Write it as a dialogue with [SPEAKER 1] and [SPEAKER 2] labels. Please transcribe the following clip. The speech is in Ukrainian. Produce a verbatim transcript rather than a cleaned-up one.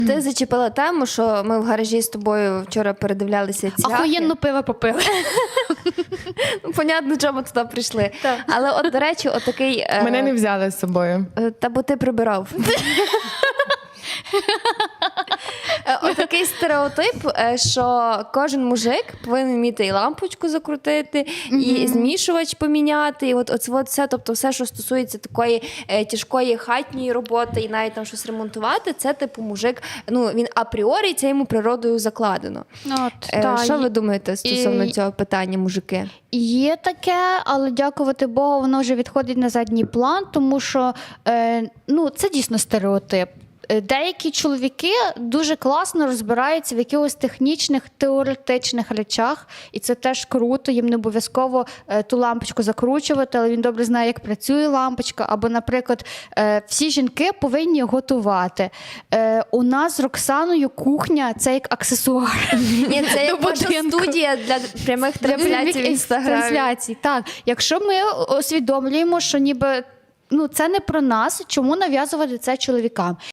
[SPEAKER 1] Ти зачепила тему, що ми в гаражі з тобою вчора передивлялися цвяхи.
[SPEAKER 2] Ахуєнно пиво попили.
[SPEAKER 1] Ну, понятно, чому туди прийшли.
[SPEAKER 2] Так.
[SPEAKER 1] Але от, до речі, отакий... е,
[SPEAKER 3] Мене не взяли з собою.
[SPEAKER 1] е, Та бо ти прибирав. Е, Отакий стереотип, е, що кожен мужик повинен вміти і лампочку закрутити, і змішувач поміняти, і от, от, от все, тобто все, що стосується такої е, тяжкої хатньої роботи і навіть там щось ремонтувати, це типу мужик, ну він апріорі, це йому природою закладено.
[SPEAKER 2] От,
[SPEAKER 1] Е,
[SPEAKER 2] та,
[SPEAKER 1] що
[SPEAKER 2] є-
[SPEAKER 1] ви думаєте стосовно
[SPEAKER 2] і-
[SPEAKER 1] цього питання, мужики?
[SPEAKER 2] Є таке, але дякувати Богу, воно вже відходить на задній план, тому що е, ну, це дійсно стереотип. Е, Деякі чоловіки дуже класно розбираються в якихось технічних, теоретичних речах, і це теж круто, їм не обов'язково е, ту лампочку закручувати, але він добре знає, як працює лампочка. Або, наприклад, е, всі жінки повинні готувати. Е, у нас з Роксаною кухня – це як аксесуар.
[SPEAKER 1] Ні, це як
[SPEAKER 2] До
[SPEAKER 1] ваша
[SPEAKER 2] будинку.
[SPEAKER 1] студія для прямих трансляцій в інстаграмі.
[SPEAKER 2] Трансляцій, так. Якщо ми усвідомлюємо, що ніби ну, це не про нас, чому нав'язувати це чоловікам?